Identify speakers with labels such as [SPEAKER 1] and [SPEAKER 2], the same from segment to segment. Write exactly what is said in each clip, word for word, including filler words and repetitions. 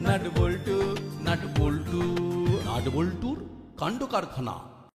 [SPEAKER 1] Nut বল্টু nut বল্টু nut বল্টুর কাণ্ড কারখানা।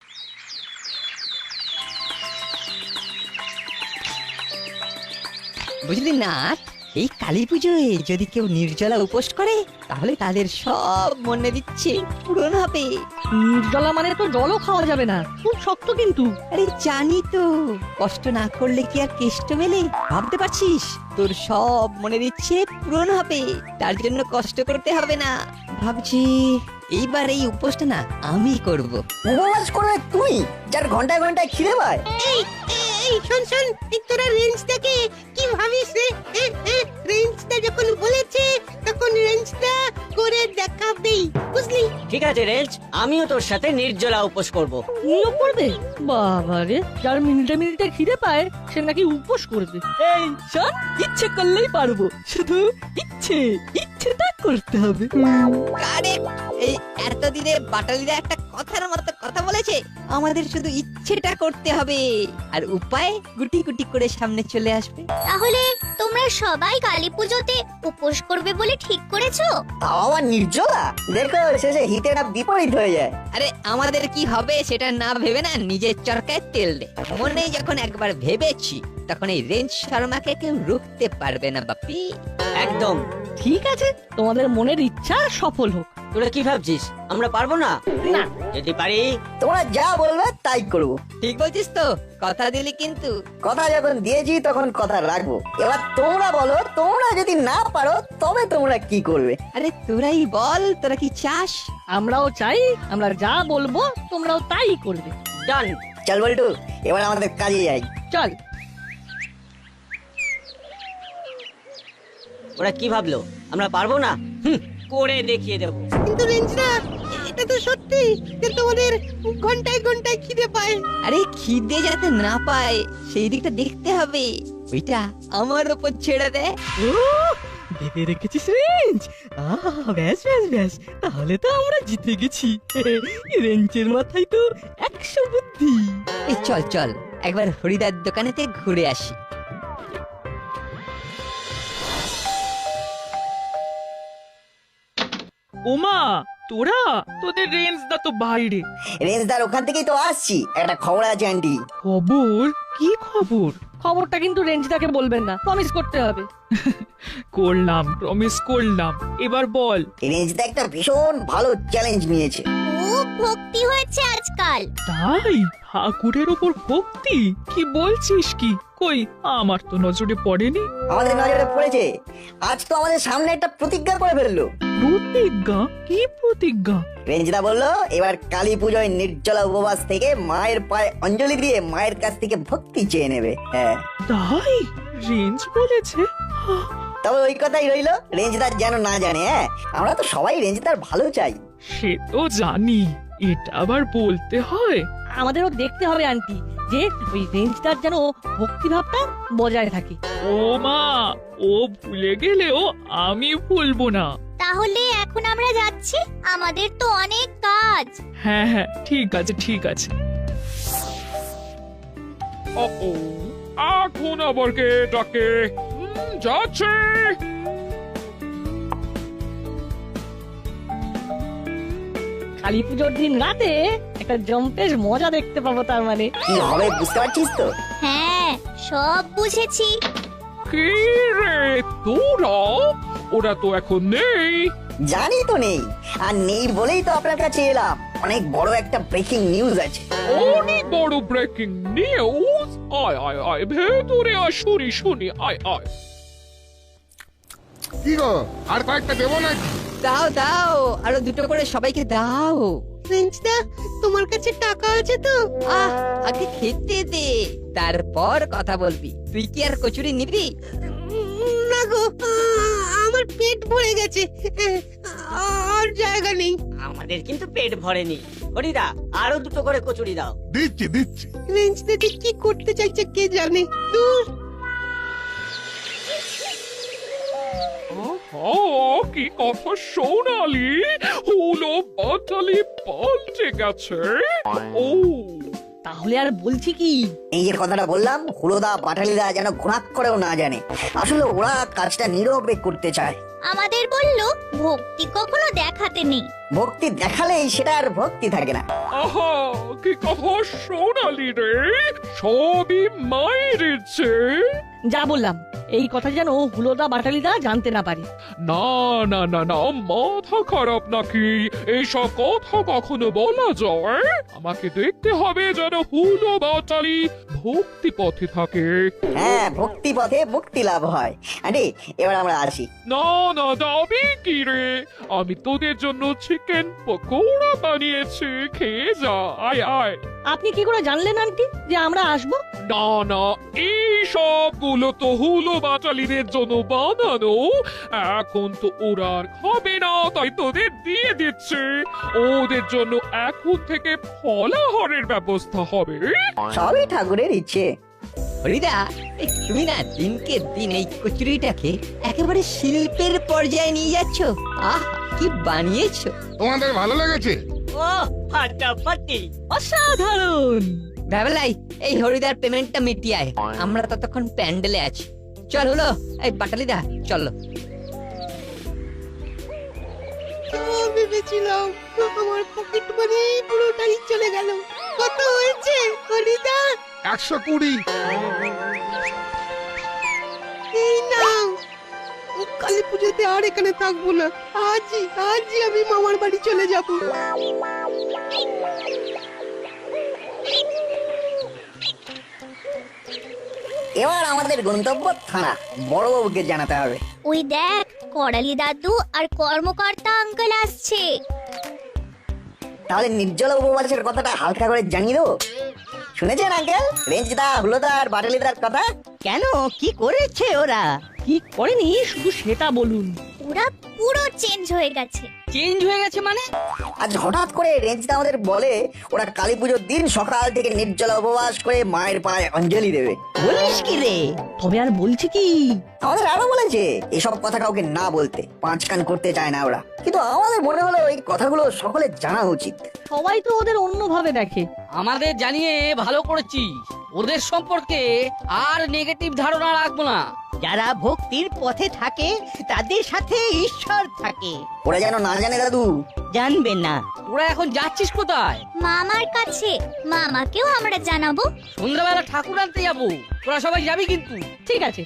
[SPEAKER 2] বুঝলি না, এই কালী পুজোয় যদি কেউ নির্জলা উপোস করে তাহলে তাদের সব মনের ইচ্ছে পূরণ হবে।
[SPEAKER 3] নির্জলা মানে তো জলও খাওয়া যাবে না, খুব শক্ত কিন্তু।
[SPEAKER 2] আরে জানি তো, কষ্ট না করলে কি আর কেষ্ট মেলে? ভাবতে পারছিস তোর সব মনের ইচ্ছে পূরণ হবে, তার জন্য কষ্ট করতে হবে না। ভাবছি এইবার এই উপোসটা না আমি করব।
[SPEAKER 4] উপবাস করবে তুই, যার ঘন্টায় ঘন্টায় খিদে পায়?
[SPEAKER 5] এই এই শোন শোন, তোরা রেঞ্জটাকে কি ভাবিস রে? রেঞ্জটা যখন বলেছে তখন রেঞ্জটা করে দেখাবেই, বুঝলি?
[SPEAKER 6] ঠিক আছে রেঞ্জ, আমিও তোর সাথে নির্জলা উপোস করব।
[SPEAKER 3] তুইও করবে? বাবা রে, যার মিনিটে মিনিটে খিদে পায় সে নাকি উপোস করবে।
[SPEAKER 2] এই শোন, ইচ্ছে করলেই পারবো, শুধু ইচ্ছে ইচ্ছেটা করতে হবে। কারেক্ট। এই এতদিনে বাটালিরা একটা কথার মতো কথা বলেছে, আমাদের শুধু ইচ্ছেটা করতে হবে আর উপায় গুটি গুটি করে সামনে চলে আসবে।
[SPEAKER 7] তাহলে তোমরা সবাই কালী পুজোতে উপোস করবে বলে ঠিক করেছো?
[SPEAKER 4] তাও আবার নির্জলা? দেখো শেষে হিতেটা বিপরীত হয়ে যায়।
[SPEAKER 2] আরে আমাদের কি হবে সেটা না ভেবে না নিজের চরকায় তেল দে। মনে যখন একবার ভেবেছি তখন এই রেঞ্জ শর্মাকে কেউ রুখতে পারবে না বাপি।
[SPEAKER 6] একদম
[SPEAKER 3] ঠিক আছে, তোমাদের মনের ইচ্ছা সফল হোক।
[SPEAKER 6] তোরা কি ভাবছিস আমরা পারবো না?
[SPEAKER 3] না,
[SPEAKER 6] যদি পারি
[SPEAKER 4] তোমরা যা বলবে তাই করবো।
[SPEAKER 2] ঠিক বলছিস তো? কথা দিলি কিন্তু।
[SPEAKER 4] কথা যখন দিয়েছি তখন কথা রাখবো। এবার তোমরা বলো, তোমরা যদি না পারো তবে তোমরা কি করবে?
[SPEAKER 2] আরে তোরাই বল, তোরা কি চাস?
[SPEAKER 3] আমরাও চাই, আমরা যা বলবো তোমরাও তাই করবে।
[SPEAKER 6] ডান।
[SPEAKER 4] চল বল্টু, এবার আমাদের কাজে যাই।
[SPEAKER 3] চল।
[SPEAKER 6] ওরা কি ভাবলো আমরা পারবো না? হুম, করে দেখিয়ে দেবো।
[SPEAKER 5] কিন্তু রেঞ্জরা, এটা তো সত্যি যে তোমাদের ঘন্টায় ঘন্টায় খিদে পায়।
[SPEAKER 2] আরে খিদে যাতে না পায় সেই দিকটা দেখতে হবে, ওইটা আমার উপর ছেড়ে দে।
[SPEAKER 8] ভেবে রেখেছিস রেঞ্জ? আহ ব্যাস ব্যাস ব্যাস, তাহলে তো আমরা জিতে গেছি। রেঞ্জের মাথায় তো একশো বুদ্ধি।
[SPEAKER 2] এই চল চল একবার হরিদার দোকানেতে ঘুরে আসি।
[SPEAKER 8] ওমা, তোরা? তোদের রেঞ্জ দা তো বাইরে।
[SPEAKER 4] রেঞ্জদার ওখান থেকেই তো আসছি, একটা খবর আছে আন্টি।
[SPEAKER 8] খবর? কি খবর?
[SPEAKER 3] খবরটা কিন্তু রেঞ্জদাকে বলবেন না, প্রমিস করতে হবে।
[SPEAKER 8] করলাম, প্রমিস করলাম। এবার বল।
[SPEAKER 4] রেঞ্জদা একটা ভীষণ ভালো চ্যালেঞ্জ নিয়েছে।
[SPEAKER 7] খুব ভক্তি হয়েছে আজকাল।
[SPEAKER 8] তাই? ঠাকুরের ওপর ভক্তি? কি বলছিস কি? কই, আমার তো নজরে পড়েনি।
[SPEAKER 4] আমাদের নজরে পড়েছে। আজ তো আমাদের সামনে একটা প্রতিজ্ঞা করে ফেললো।
[SPEAKER 8] প্রতিজ্ঞা? কি প্রতিজ্ঞা?
[SPEAKER 4] রেঞ্জদা বললো এবার কালী পুজোয় নির্জলা উপবাস থেকে মায়ের পায়ে অঞ্জলি দিয়ে মায়ের কাছ থেকে ভক্তি চেয়ে নেবে। হ্যাঁ,
[SPEAKER 8] তাই রেঞ্জ বলেছে?
[SPEAKER 4] তবে ওই কথাই রইলো, রেঞ্জদার যেন না জানে। হ্যাঁ, আমরা তো সবাই রেঞ্জদার ভালো চাই।
[SPEAKER 8] সে তো জানি, এটা আবার বলতে হয়?
[SPEAKER 3] আমাদেরও দেখতে হবে আন্টি যে ওই রেঞ্জটার যেন ভক্তিভাবটা বজায় থাকে।
[SPEAKER 8] ও মা, ও ভুলে গেলেও আমি ভুলবো না।
[SPEAKER 7] তাহলে এখন আমরা যাচ্ছি, আমাদের তো অনেক কাজ।
[SPEAKER 8] হ্যাঁ হ্যাঁ, ঠিক আছে ঠিক আছে। ও এখন আবার কে ডাকে? হুম, যাচ্ছে।
[SPEAKER 3] কালী পুজোর দিন রাতে একটা জম্পেশ মজা দেখতে পাবো, তার মানে।
[SPEAKER 4] কি হবে বুঝতে পারছিস তো?
[SPEAKER 7] হ্যাঁ, সব বুঝেছি।
[SPEAKER 8] কি রে তোরা? ওরা তো এখন নেই।
[SPEAKER 4] জানি তো নেই, আর নেই বলেই তো আপনার কাছে এলাম। অনেক বড় একটা ব্রেকিং নিউজ আছে।
[SPEAKER 8] অনেক বড় ব্রেকিং নিউজ? আয় আয় আয়, ভেতরে আয়, শুনি শুনি, আয় আয়।
[SPEAKER 9] কি গো, আর কয়েকটা দেবো নাকি?
[SPEAKER 2] দাও দাও, আরো দুটো করে সবাইকে দাও।
[SPEAKER 5] রেঞ্জদা, তোমার কাছে টাকা আছে তো?
[SPEAKER 2] আহ আগে খেতে দে, তারপর কথা বলবি। তুই কি আর কচুরি নিবি?
[SPEAKER 5] উম, না গো, আ, আমার পেট ভরে গেছে, আ, আর জায়গা নেই।
[SPEAKER 6] আমাদের কিন্তু পেট ভরেনি। হরিদা, আরো দুটো করে কচুরি দাও।
[SPEAKER 9] দিচ্ছি দিচ্ছি।
[SPEAKER 5] রেঞ্জদা যে কি করতে চাইছে কে জানে। দূর।
[SPEAKER 8] কি কথা শোনালি? হলো বাটালি পাল্টে গেছে। ও
[SPEAKER 3] তাহলে আর বলছি কি,
[SPEAKER 4] এই যে কথাটা বললাম, হুলোদা বাটালিদা যেন ঘোরাক করেও না জানে। আসলে ওরা কাজটা নীরবে করতে চায়।
[SPEAKER 7] আমাদের বললো ভক্তি কখনো দেখাতে নেই।
[SPEAKER 4] ভক্তি দেখালেই সেটা আর ভক্তি থাকে না।
[SPEAKER 10] আহা, কি কথা শোনালি রে, সবই মায়ের ইচ্ছে।
[SPEAKER 3] যা বললাম এই কথা যেন হুলোদা বাটালিদা জানতে না পারে।
[SPEAKER 10] না না না না, মাথা খারাপ নাকি? এইসব কথা কখনো বলা যায়? আমাকে দেখতে হবে যেন হুলো বাটালি ভক্তি পথে থাকে।
[SPEAKER 4] হ্যাঁ, ভক্তি পথে মুক্তি লাভ হয়। আরে এবার আমরা আসি।
[SPEAKER 10] না না, যাবি কি রে? আমি তোদের জন্য চিকেন পকোড়া বানিয়েছি, খেয়ে যা। আয় আয়।
[SPEAKER 3] আপনি কি করে জানলেন আন্টি যে আমরা আসবো?
[SPEAKER 10] না না, এই সবগুলো তো হুলো বাটালিদের জন্য বানানো। এখন তো ওরা আর খাবে না, তাই তোদের দিয়ে দিচ্ছে। ওদের জন্য এখন থেকে ফলাহারের ব্যবস্থা হবে।
[SPEAKER 4] সবই ঠাকুরের ইচ্ছে।
[SPEAKER 2] হরিদা, এই তুমি না দিনকে দিন এই কচুরিটাকে একেবারে শিল্পের পর্যায়ে নিয়ে যাচ্ছ। আহ, কি বানিয়েছো!
[SPEAKER 9] তোমাদের ভালো লেগেছে?
[SPEAKER 6] ও ফাটাফাটি।
[SPEAKER 3] অসাধারণ।
[SPEAKER 2] ভেবেলাই এই হরিদার পেমেন্টটা মিটিয়ে আয়, আমরা ততক্ষণ প্যান্ডেলে আছি। চল হলো, এই বাটালিদা চলো।
[SPEAKER 5] ভেবেছিলাম আমার পকেট মানি পুরোটাই চলে গেল। কত হয়েছে হরিদা?
[SPEAKER 9] একশো কুড়ি।
[SPEAKER 5] এই নাও। কালী পুজোতে আর এখানে থাকবো না। আজই আজই আমি মামার বাড়ি চলে যাব।
[SPEAKER 4] এবার আমাদের গন্তব্য থানা, বড়বাবুকে জানাতে হবে।
[SPEAKER 7] ওই দেখ, করালি দাদু আর কর্মকর্তা আঙ্কেল আসছে।
[SPEAKER 4] তাহলে নির্জলা উপবাসের কথাটা হালকা করে জানিয়ে দেবো। শুনেছেন আঙ্কেল, রেঞ্জদা হুলোদা আর বাটালিদার কথা?
[SPEAKER 2] কেন, কি করেছে ওরা?
[SPEAKER 3] কি করেনি শুধু সেটা বলুন।
[SPEAKER 7] ওরা পুরো চেঞ্জ হয়ে গেছে।
[SPEAKER 3] চেঞ্জ হয়ে গেছে মানে?
[SPEAKER 4] আজ হঠাৎ করে রেঞ্জদা আমাদের বলে ওরা কালী পুজোর দিন সকাল থেকে নির্জলা উপবাস করে মায়ের পায়ে অঞ্জলি দেবে।
[SPEAKER 2] বলিস কি রে?
[SPEAKER 3] তবে আর বলছি কি,
[SPEAKER 4] আমাদের আরো বলেছে এসব কথা কাউকে না বলতে, পাঁচ কান করতে চায় না ওরা। কিন্তু আমাদের মনে হলো এই কথাগুলো সকলের জানা উচিত।
[SPEAKER 3] সবাই তো ওদের অন্যভাবে দেখে।
[SPEAKER 6] আমাদের জানিয়ে ভালো করেছিস। ওদের সম্পর্কে আর নেগেটিভ ধারণা রাখবো না।
[SPEAKER 2] যারা ভক্তির পথে থাকে তাদের সাথে ঈশ্বর থাকে।
[SPEAKER 4] ওরা যেন না জানে দাদু।
[SPEAKER 2] জানবে না।
[SPEAKER 6] তোরা এখন যাচ্ছিস কোথায়?
[SPEAKER 7] মামার কাছে। মামাকেও আমরা জানাবো।
[SPEAKER 6] সন্ধ্যাবেলা ঠাকুর আনতে যাবো, তোরা সবাই যাবি কিন্তু।
[SPEAKER 3] ঠিক আছে।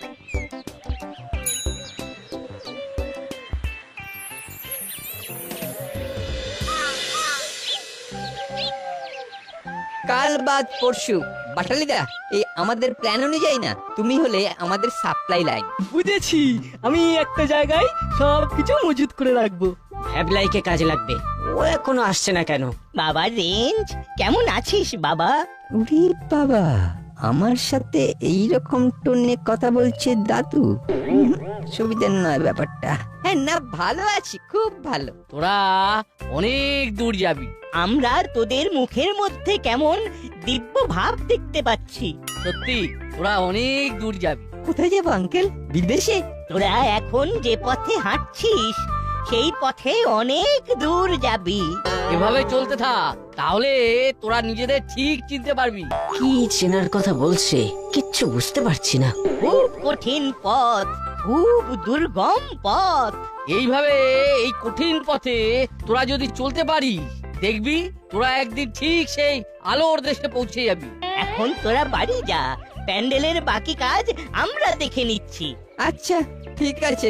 [SPEAKER 2] কাল বাদ পরশু বাটালিদা, এই আমাদের প্ল্যান অনুযায়ী না তুমি হলে আমাদের সাপ্লাই লাইন।
[SPEAKER 8] বুঝেছি, আমি একটা জায়গায় সবকিছু মজুত করে রাখবো।
[SPEAKER 6] হ্যাবলাইকে কাজে লাগবে। ও এখনো আসছে না কেন?
[SPEAKER 2] বাবা রেঞ্জ, কেমন আছিস বাবা? উরি বাবা, আমার সাথে এই রকম টোনে কথা বলছে দাদু। হুম, সুবিধার নয় ব্যাপারটা। হ্যাঁ না, ভালো আছি, খুব ভালো।
[SPEAKER 6] তোরা অনেক দূর যাবি।
[SPEAKER 2] আমরা তোদের মুখের মধ্যে কেমন দিব্য ভাব দেখতে পাচ্ছি।
[SPEAKER 6] সত্যি তোরা অনেক দূর যাবি।
[SPEAKER 2] কোথায় যাবো আঙ্কেল? বিদেশে? তোরা এখন যে পথে হাঁটছিস সেই পথে অনেক দূর যাবি।
[SPEAKER 6] এভাবে চলতে থাক, তাহলে তোরা নিজেদের ঠিক চিনতে পারবি।
[SPEAKER 2] কি চেনার কথা বলছে কিচ্ছু বুঝতে পারছি না। খুব কঠিন পথ, খুব দুর্গম পথ।
[SPEAKER 6] এইভাবে এই কঠিন পথে তোরা যদি চলতে পারিস, দেখবি তোরা একদিন ঠিক সেই আলোর দেশে পৌঁছে যাবি।
[SPEAKER 2] এখন তোরা বাড়ি যা, প্যান্ডেলের বাকি কাজ আমরা দেখে নিচ্ছি। আচ্ছা ঠিক আছে।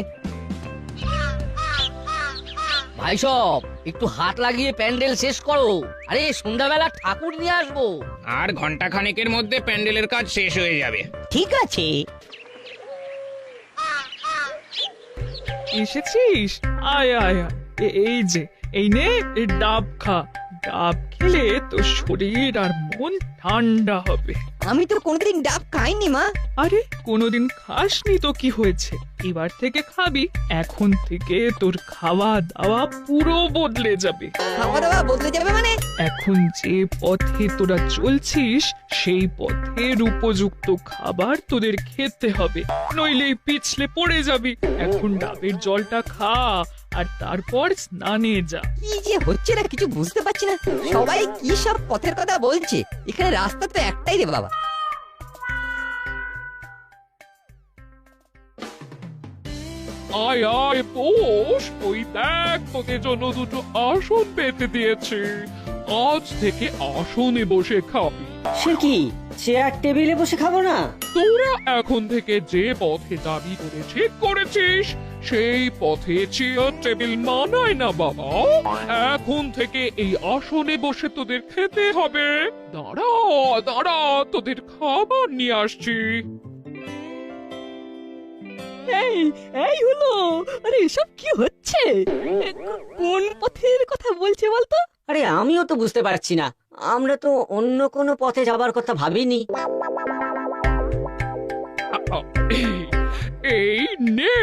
[SPEAKER 6] ভাই সব একটু হাত লাগিয়ে প্যান্ডেল শেষ করো। আরে সন্ধ্যাবেলা ঠাকুর নিয়ে আসবো।
[SPEAKER 11] আর ঘন্টা খানেকের মধ্যে প্যান্ডেলের কাজ শেষ হয়ে যাবে।
[SPEAKER 2] ঠিক আছে।
[SPEAKER 10] এসেছিস? আয় আয় আয়। এ- এই যে এই নে, এই ডাব খা। ডাব খেলে তোর শরীর আর মন ঠান্ডা হবে।
[SPEAKER 2] আমি তো কোনোদিন ডাব খাইনি মা।
[SPEAKER 10] আরে কোনোদিন খাসনি তো কি হয়েছে, এবার থেকে খাবি। এখন থেকে তোর খাওয়া দাওয়া পুরো বদলে যাবে।
[SPEAKER 2] খাওয়া দাওয়া বদলে যাবে মানে?
[SPEAKER 10] এখন যে পথে তোরা চলছিস সেই পথের উপযুক্ত খাবার তোদের খেতে হবে, নইলে পিছলে পড়ে যাবি। এখন ডাবের জলটা খা আর তারপর স্নানে যা।
[SPEAKER 2] কি যে হচ্ছে না কিছু বুঝতে পারছি না, সবাই কি সব পথের কথা বলছে, এখানে রাস্তা তো একটাই রে বাবা।
[SPEAKER 10] আয় আয় বস, ওই দেখ তোদের জন্য দুটো আসন পেতে দিয়েছে। আজ থেকে আসনে বসে খাবি।
[SPEAKER 12] সে কি চেয়ার টেবিলে বসে খাবো না?
[SPEAKER 10] তোরা এখন থেকে যে পথে দাবি করে ঠিক করেছিস সেই পথে চেয়ার টেবিল মানায় না বাবা। এখন থেকে এই আসনে বসে তোদের খেতে হবে। দাঁড়া দাঁড়া, তোদের খাবার নিয়ে আসছি।
[SPEAKER 8] এই এই হলো, আরে এসব কি হচ্ছে? এ, কো- কোন পথের কথা বলছে বলতো?
[SPEAKER 12] আরে আমিও তো বুঝতে পারছি না, আমরা তো অন্য কোনো পথে যাবার কথা ভাবিনি।
[SPEAKER 10] এই নে।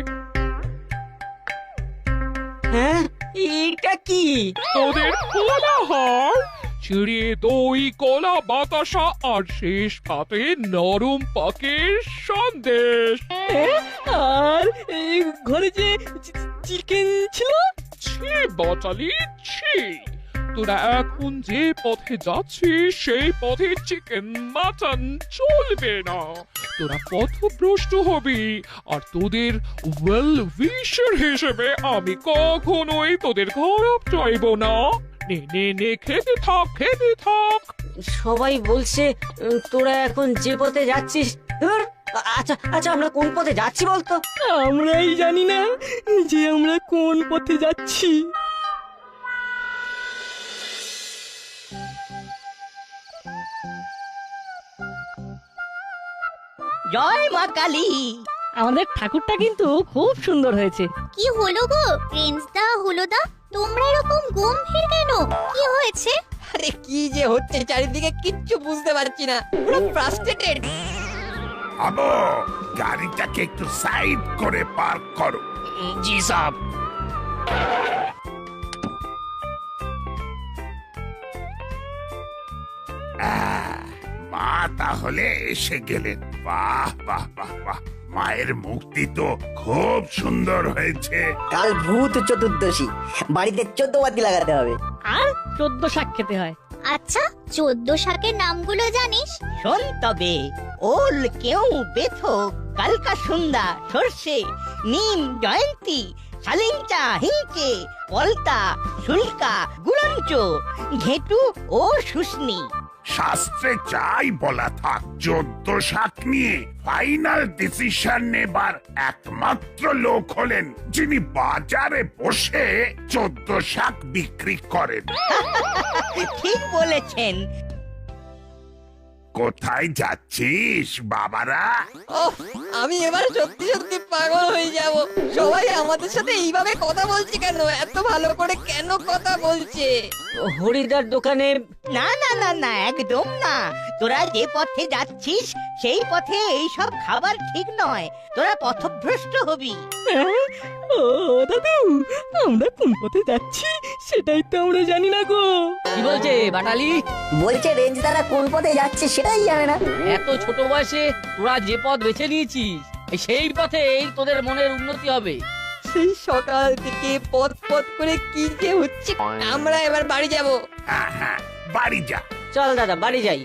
[SPEAKER 12] হ্যাঁ, এটা কি?
[SPEAKER 10] তোদের কোলাহল, চিড়ে দই কলা বাতাসা আর শেষ পাতে নরম পাকের সন্দেশ।
[SPEAKER 8] এ, আর এই ঘরে যে চিকেন ছিল।
[SPEAKER 10] ছি বটালি ছি, তোরা এখন যে পথে যাচ্ছিস সেই পথে চিকেন মাটন চলবে না। তোরা পথভ্রষ্ট হবি, আর তোদের ওয়েল উইশার হিসেবে আমি কখনোই তোদের খারাপ চাইব না। নে নে নে, খেতে থাক খেতে থাক।
[SPEAKER 12] সবাই বলছে উম, তোরা এখন যে পথে যাচ্ছিস। ধুর, আচ্ছা আচ্ছা, আমরা কোন পথে যাচ্ছি বলতো?
[SPEAKER 8] আমরাই জানি না যে আমরা কোন পথে যাচ্ছি।
[SPEAKER 2] জয় মা কালী।
[SPEAKER 3] আমাদের ঠাকুরটা কিন্তু খুব সুন্দর হয়েছে।
[SPEAKER 7] কি হলো গো রেঞ্জদা হুলোদা, তোমরা এরকম গম্ভীর কেন? কি হয়েছে?
[SPEAKER 2] আরে কি যে হচ্ছে চারিদিকে কিচ্ছু বুঝতে পারছি না, পুরো ফ্রাস্ট্রেটেড।
[SPEAKER 9] আবো, গাড়িটাকে একটু সাইড করে পার্ক করো।
[SPEAKER 11] জি সাহেব।
[SPEAKER 9] আহ, মা তাহলে এসে গেলেন। বাহ বাহ বাহ বাহ, মায়ের মুক্তি তো খুব সুন্দর হয়েছে।
[SPEAKER 4] কাল ভূত চতুর্দশী, বাড়িতে চোদ্দ বাতি লাগাতে হবে।
[SPEAKER 3] আর চোদ্দ শাক খেতে হয়।
[SPEAKER 7] আচ্ছা, চোদ্দ শাকের নামগুলো জানিস?
[SPEAKER 2] শোন তবে, ওল কেউ বেথো কালকা সুন্দা সর্ষে নিম জয়ন্তী শালিংচা হিংচে পলতা শুল্কা গুলঞ্চ ঘেটু ও শুষ্নি।
[SPEAKER 9] শাস্ত্রে চাই বলা থাক, চোদ্দ শাক নিয়ে ফাইনাল ডিসিশন নেবার একমাত্র লোক হলেন যিনি বাজারে বসে চোদ্দ শাক বিক্রি করেন।
[SPEAKER 2] ঠিক বলেছেন।
[SPEAKER 9] কোথায় যাচ্ছিস বাবারা?
[SPEAKER 2] ওহ, আমি এবার সত্যি সত্যি পাগল হয়ে যাব। সবাই আমাদের সাথে এইভাবে কথা বলছে কেন? এত ভালো করে কেন কথা বলছে?
[SPEAKER 12] হরিদার দোকানে।
[SPEAKER 2] না না না না, একদম না। তোরা যে পথে যাচ্ছিস সেই পথে এই সব খাবার ঠিক নয়, তোরা পথভ্রষ্ট হবি।
[SPEAKER 8] হ্যাঁ? ও দাদু, আমরা কোন পথে যাচ্ছি সেটাই তো আমরা জানি না গো।
[SPEAKER 6] কি বলছে বাটালি?
[SPEAKER 4] বলছে রেঞ্জ দ্বারা কোন পথে যাচ্ছে সেটাই জানে না।
[SPEAKER 6] এত ছোট বয়সে তোরা যে পথ বেছে নিয়েছিস সেই পথেই তোদের মনের উন্নতি হবে।
[SPEAKER 2] সেই সকাল থেকে পথ পথ করে কি যে হচ্ছে। আমরা এবার বাড়ি যাব।
[SPEAKER 9] হ্যাঁ হ্যাঁ, বাড়ি যা।
[SPEAKER 12] চল দাদা, বাড়ি যাই।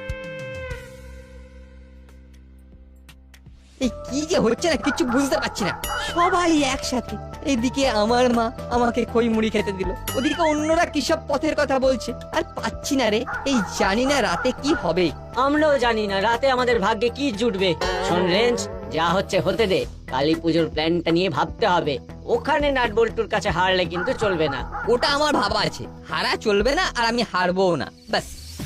[SPEAKER 2] এই কি যে হচ্ছে না কিছু বুঝতে পারছি না। সবাই একসাথে, এইদিকে আমার মা আমাকে খই মুড়ি খেতে দিল, ওদিকে অন্যরা কি সব পথের কথা বলছে, আর পাচ্ছি না রে। এই জানি না রাতে কি হবে।
[SPEAKER 12] আমরাও জানি না রাতে আমাদের ভাগ্যে কি জুটবে। শোন রেঞ্জ, যা হচ্ছে হতে দে। কালী পুজোর প্ল্যানটা নিয়ে ভাবতে হবে। ওখানে নাটবল্টুর কাছে হারলে কিন্তু চলবে না।
[SPEAKER 2] ওটা আমার ভাবা আছে, হারা চলবে না আর আমি হারবো না, ব্যাস।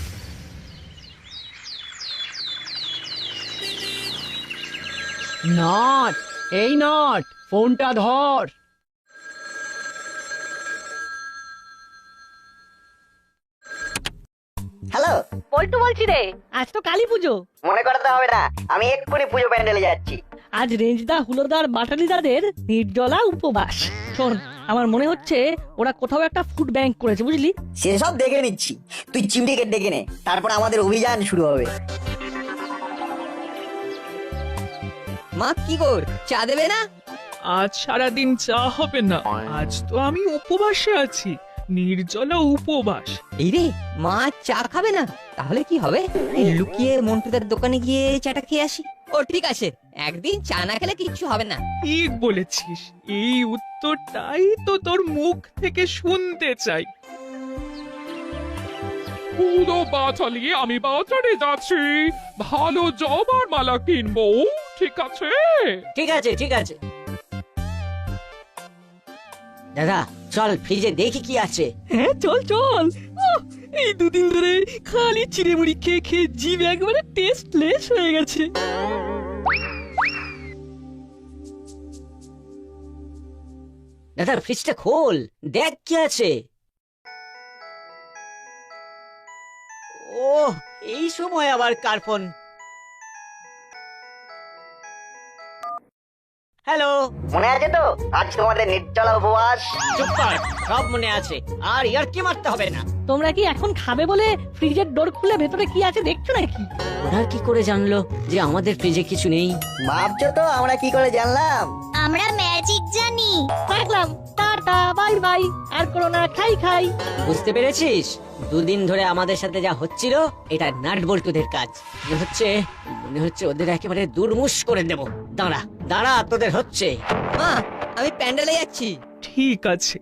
[SPEAKER 6] নট, এই নট, ফোনটা ধর।
[SPEAKER 4] হ্যালো,
[SPEAKER 3] পল্টু বলছি রে, আজ তো কালী পুজো।
[SPEAKER 4] মনে করতে হবে না, আমি এক্ষুনি পুজো প্যান্ডেলে যাচ্ছি।
[SPEAKER 3] আজ রেঞ্জদা হুলোদার বাটালিদাদের নির্জলা উপবাস। শোন, আমার মনে হচ্ছে ওরা কোথাও একটা ফুড ব্যাংক করেছে, বুঝলি?
[SPEAKER 4] সেসব দেখে নিচ্ছি, তুই চিমটিকে ডেকে নে, তারপর আমাদের অভিযান শুরু হবে।
[SPEAKER 2] মা কি কর, চা দেবে না?
[SPEAKER 10] আজ সারাদিন চা হবে না, আজ তো আমি উপবাসে আছি, নির্জলা উপবাস।
[SPEAKER 2] এই রে, মা চা খাবে না? তাহলে কি হবে? এই লুকিয়ে মন্টুদার দোকানে গিয়ে চাটা খেয়ে আসি। ও ঠিক আছে, একদিন চা না খেলে কিচ্ছু হবে না।
[SPEAKER 10] ঠিক বলেছিস, এই উত্তরটাই তো তোর মুখ থেকে শুনতে চাই। পুরো বাচালি আমি বাজারে যাচ্ছি, ভালো জবার মালা কিনবো, ঠিক আছে?
[SPEAKER 12] ঠিক আছে ঠিক আছে দাদা, চল ফ্রিজে দেখি কি আছে।
[SPEAKER 8] হ্যাঁ চল চল। আহ, এই দুদিন ধরে খালি চিড়েমুড়ি খেয়ে খেয়ে জিভ একবারে টেস্টলেস হয়ে গেছে।
[SPEAKER 12] দাদা ফ্রিজটা খোল, দেখ কি আছে। ও, এই সময় আবার কার ফোন? হ্যালো,
[SPEAKER 4] মনে আছে তো আজ তোমাদের নির্জলা উপবাস?
[SPEAKER 12] চুপ কর, সব মনে আছে, আর ইয়ার কি মারতে হবে না।
[SPEAKER 3] তোমরা কি এখন খাবে বলে ফ্রিজের ডোর খুলে ভেতরে কি আছে দেখছো নাকি?
[SPEAKER 12] ওরা কি করে জানলো যে আমাদের ফ্রিজে কিছু নেই?
[SPEAKER 4] ভাবছো তো আমরা কি করে জানলাম?
[SPEAKER 7] আমরা ম্যাজিক জানি।
[SPEAKER 3] রাখলাম, টাটা বাই বাই, আর করো না, খাই খাই।
[SPEAKER 12] বুঝতে পেরেছিস? দুদিন ধরে আমাদের সাথে যা হচ্ছিল এটা নাট বল্টুদের কাজ। মনে হচ্ছে মনে হচ্ছে ওদের একেবারে দুর্মুষ করে দেব। দাঁড়া দাঁড়া, তোদের হচ্ছে।
[SPEAKER 2] মা, আমি প্যান্ডেলে যাচ্ছি।
[SPEAKER 10] ঠিক আছে।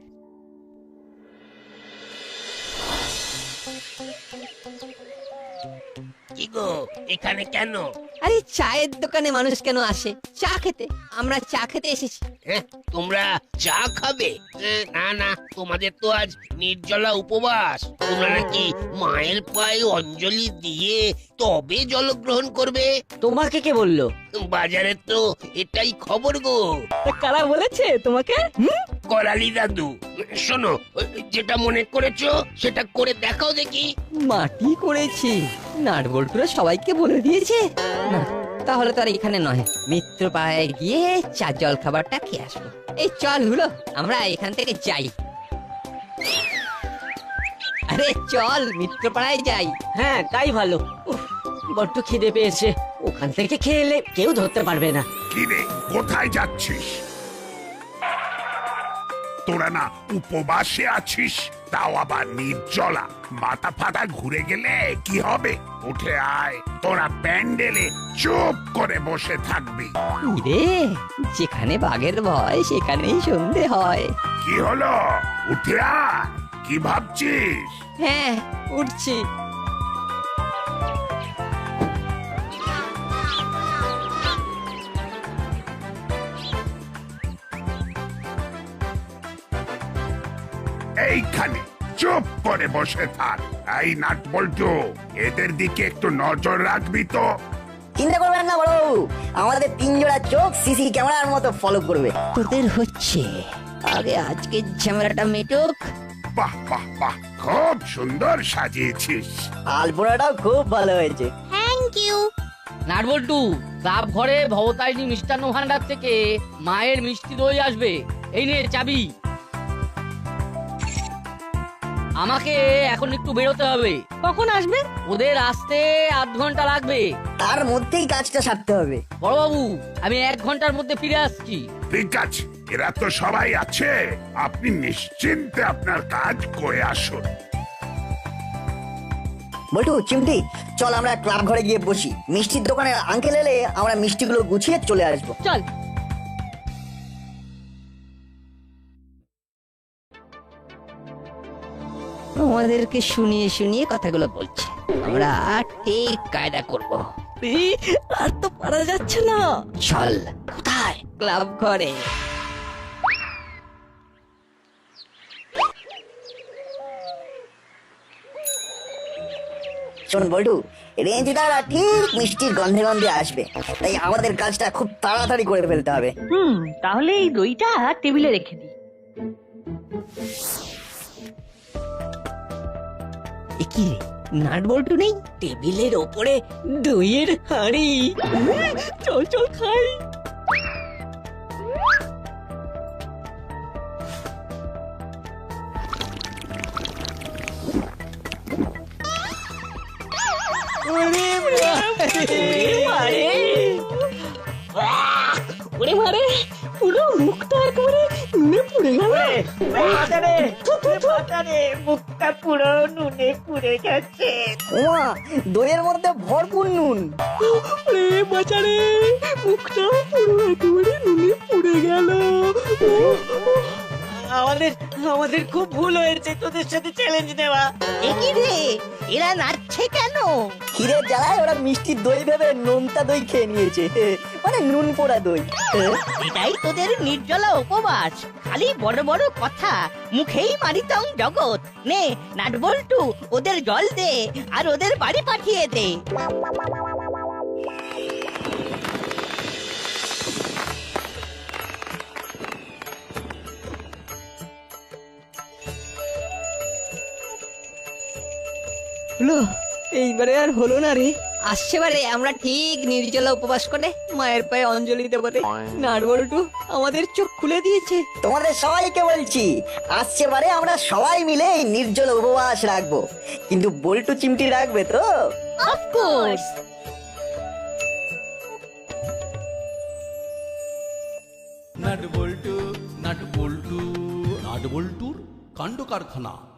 [SPEAKER 5] কি গো, এখানে কেন?
[SPEAKER 2] আরে চায়ের দোকানে মানুষ কেন আসে? চা খেতে। আমরা চা খেতে এসেছি।
[SPEAKER 5] হ্যাঁ, তোমরা চা খাবে? হ্যাঁ, না না, তোমাদের তো আজ নির্জলা উপবাস। তোমরা নাকি মায়ের পায়ে অঞ্জলি দিয়ে তবে জলগ্রহণ করবে।
[SPEAKER 12] তোমাকে কে বললো?
[SPEAKER 5] বাজারে তো এটাই খবর গো।
[SPEAKER 8] তা কারা বলেছে তোমাকে? হুম?
[SPEAKER 5] করালি দাদু। শোনো, যেটা মনে করেছো সেটা করে দেখাও দেখি।
[SPEAKER 2] মাটি করেছি। নাটবল্টুরা সবাইকে বলে দিয়েছে। না, তাহলে তো আর এখানে নয়, মিত্র পাড়ায় গিয়ে চা জল খাবারটা খেয়ে আসবো। এই চল হলো, আমরা এখান থেকে যাই। আরে চল, মিত্র পাড়ায় যাই।
[SPEAKER 12] হ্যাঁ তাই ভালো। উফ, বড্ড খিদে পেয়েছে, ওখান থেকে খেয়ে এলে কেউ ধরতে পারবে না।
[SPEAKER 9] কি রে, কোথায় যাচ্ছিস? তোরা না উপবাসে আছিস, তাও আবার নির্জলা। মাথা ফাটা ঘুরে গেলে কি হবে? উঠে আয়, তোরা প্যান্ডেলে চুপ করে বসে থাকবি।
[SPEAKER 2] রে, যেখানে বাঘের ভয় সেখানেই সন্ধে হয়।
[SPEAKER 9] কি হলো? উঠে আয়, কি ভাবছিস?
[SPEAKER 2] হ্যাঁ, উঠছি।
[SPEAKER 9] এইখানে চুপ করে বসে থাক। এই নাট বল্টু, এদের দিকে একটু নজর রাখবি তো।
[SPEAKER 4] চিন্তা করবেন না বড়, আমাদের তিন জোড়া চোখ সিসি ক্যামেরার মতো ফলো করবে।
[SPEAKER 2] তোদের হচ্ছে, আগে আজকে ঝামেলাটা মেটুক।
[SPEAKER 9] বাহ বাহ বাহ, খুব সুন্দর সাজিয়েছিস।
[SPEAKER 4] আলপনাটাও খুব ভালো হয়েছে।
[SPEAKER 7] Thank you.
[SPEAKER 6] নাটবল্টু, ক্লাব ঘরে ভবতারিণী মিষ্টান্ন ভান্ডার থেকে মায়ের মিষ্টি দই আসবে। এই নে চাবি। আমাকে এখন একটু বেরোতে হবে।
[SPEAKER 3] কখন আসবে?
[SPEAKER 6] ওদের আসতে আধ ঘন্টা লাগবে।
[SPEAKER 4] তার মধ্যেই কাজটা সারতে হবে।
[SPEAKER 6] বড়বাবু, আমি এক ঘন্টার মধ্যে ফিরে আসছি।
[SPEAKER 9] ঠিক আছে, এরা তো সবাই আছে, আপনি নিশ্চিন্তে আপনার কাজ করে আসুন।
[SPEAKER 4] বল্টু, চিমটি, চল আমরা ক্লাব ঘরে গিয়ে বসি। মিষ্টির দোকানের আঙ্কেল এলে আমরা মিষ্টিগুলো গুছিয়ে চলে আসবো।
[SPEAKER 3] চল।
[SPEAKER 2] আমাদেরকে শুনিয়ে শুনিয়ে কথাগুলো বলছে, আমরা ঠিক কায়দা করব।
[SPEAKER 8] এই, আর তো পারা যাচ্ছে না।
[SPEAKER 2] চল। কোথায়? ক্লাব ঘরে।
[SPEAKER 4] শোন বল্টু, রেঞ্জিদারা ঠিক মিষ্টির গন্ধে গন্ধে আসবে, তাই আমাদের কাজটা খুব তাড়াতাড়ি করে ফেলতে হবে।
[SPEAKER 3] হুম, তাহলে এই দইটা টেবিলে রেখে দিই।
[SPEAKER 2] কি রে, নাট বল্টু নেই?
[SPEAKER 12] টেবিলের ওপরে দইয়ের হাঁড়ি।
[SPEAKER 8] চল চল খাই।
[SPEAKER 3] ওরে মারে,
[SPEAKER 8] পুরো মুখটা একেবারে নুনে পুড়ে গেল।
[SPEAKER 4] মুখটা পুরো নুনে পুড়ে গেছে। ওমা, দইয়ের মধ্যে ভরপুর নুন।
[SPEAKER 8] রে বাঁচারে, মুখটা পুরো একেবারে নুনে পুড়ে গেল।
[SPEAKER 12] আমাদের আমাদের খুব ভুল হয়েছে তোদের সাথে চ্যালেঞ্জ নেওয়া।
[SPEAKER 2] একই রে, এরা নাচছে কেন?
[SPEAKER 4] ক্ষীরের জ্বালায় ওরা মিষ্টি দই ভেবে নোনতা দই খেয়ে নিয়েছে, মানে নুন পোড়া দই।
[SPEAKER 2] এটাই তোদের নির্জলা উপবাস, খালি বড় বড় কথা, মুখেই মারিতং জগৎ। নে নাটবল্টু, ওদের জল দে আর ওদের বাড়ি পাঠিয়ে দে।
[SPEAKER 8] হলো, এইবারে আর হলো না রে।
[SPEAKER 2] আসছে বারে আমরা ঠিক নির্জলা উপবাস করে মায়ের পায়ে অঞ্জলি দেবো রে। নাটবল্টু আমাদের চোখ খুলে দিয়েছে।
[SPEAKER 4] তোমাদের সবাইকে বলছি, আসছে বারে আমরা সবাই মিলে এই নির্জল উপবাস রাখবো, কিন্তু বল্টু চিমটি রাখবে তো?
[SPEAKER 2] অফকোর্স।
[SPEAKER 1] নাট বল্টু নাট বল্টু নাট বল্টুর কাণ্ড কারখানা।